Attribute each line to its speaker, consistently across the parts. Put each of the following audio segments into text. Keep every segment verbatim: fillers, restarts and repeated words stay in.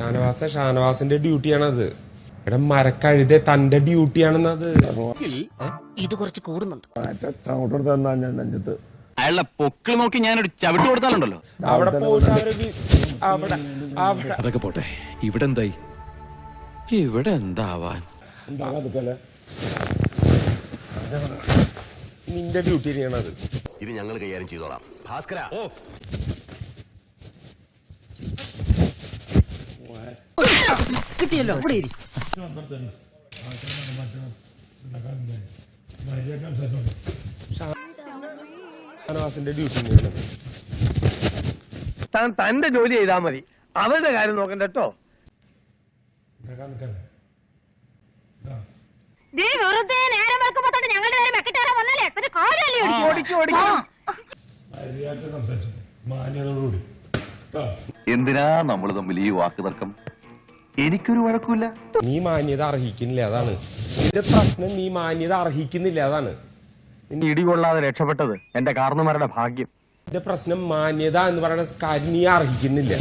Speaker 1: ഷാനവാസ ഷാനവാസിന്റെ ഡ്യൂട്ടിയാണത്. എടാ മരക്കഴുത തന്റെ ഡ്യൂട്ടിയാണെന്നത്.
Speaker 2: ഇത് കുറച്ച് കൂടുന്നുണ്ട്.
Speaker 3: അയാളുടെ പൊക്കിൾ നോക്കി ഞാനൊരു ചവിട്ട് കൊടുത്താലുണ്ടല്ലോ.
Speaker 1: അവിടെ പോയിട്ട് അവരെ വി- അവിടെ അവിടെ
Speaker 4: അതൊക്കെ പോട്ടെ, ഇവിടെ എന്തായി? ഇവിടെ എന്താവാൻ?
Speaker 1: നിന്റെ ഡ്യൂട്ടി ചെയ്യണത്.
Speaker 5: ഇത് ഞങ്ങൾ കൈകാര്യം ചെയ്തോളാം. ഭാസ്കര
Speaker 2: കിട്ടിയല്ലോ, ഇവിടെ ഇരി.
Speaker 1: ഷാനവാസിന്റെ ഡ്യൂട്ടി ചെയ്യണത്.
Speaker 6: താൻ തന്റെ ജോലി ചെയ്താൽ മതി, അവരുടെ കാര്യം നോക്കണ്ട കേട്ടോ.
Speaker 7: വെറുതെ നേരം വെളുക്കുമ്പോ തൊട്ട് ഞങ്ങളുടെ നേരെ മെക്കിട്ടേറാൻ വന്നാലേ ഒരു കാര്യമല്ലേ?
Speaker 6: ഓടിക്കും ഓടിക്കും.
Speaker 3: എന്തിനാ നമ്മൾ തമ്മിൽ ഈ വാക്ക് തർക്കം? എനിക്കൊരു വഴക്കില്ല.
Speaker 1: നീ മാന്യത അർഹിക്കുന്നില്ല, അതാണ് നിന്റെ പ്രശ്നം. നീ മാന്യത അർഹിക്കുന്നില്ല, അതാണ്
Speaker 6: ഇടികൊള്ളാതെ രക്ഷപ്പെട്ടത് എന്റെ കാരണന്മാരുടെ ഭാഗ്യം.
Speaker 1: നിന്റെ പ്രശ്നം. മാന്യത എന്ന് പറയുന്ന കാര്യം നീ അർഹിക്കുന്നില്ല.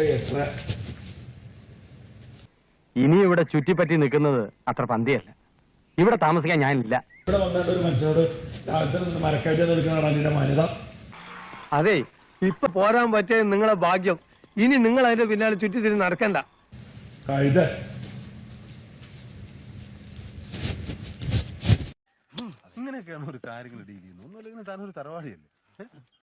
Speaker 6: ഇനി ഇവിടെ ചുറ്റിപ്പറ്റി നിൽക്കുന്നത് അത്ര പന്തിയല്ല. ഇവിടെ താമസിക്കാൻ ഞാനില്ല.
Speaker 8: ഇവിടെ വന്നിട്ട് ഒരു മനുഷ്യനോട് രാവിലത്തെ നിന്ന് മരക്കയറ്റം എടുക്കുന്നതാണ് അതിന്റെ മാന്യത.
Speaker 6: അതെ, ഇപ്പൊ പോരാൻ പറ്റിയ നിങ്ങളെ ഭാഗ്യം. ഇനി നിങ്ങൾ അതിന്റെ പിന്നാലെ ചുറ്റിത്തിരിഞ്ഞ് നടക്കണ്ട.
Speaker 8: കഴുത
Speaker 5: ഇങ്ങനെയൊക്കെയാണ് ഒരു കാര്യങ്ങൾ ഡീൽ ചെയ്യുന്നത്. ഒന്നുമില്ലെങ്കിൽ താനൊരു തറവാടിയല്ലേ.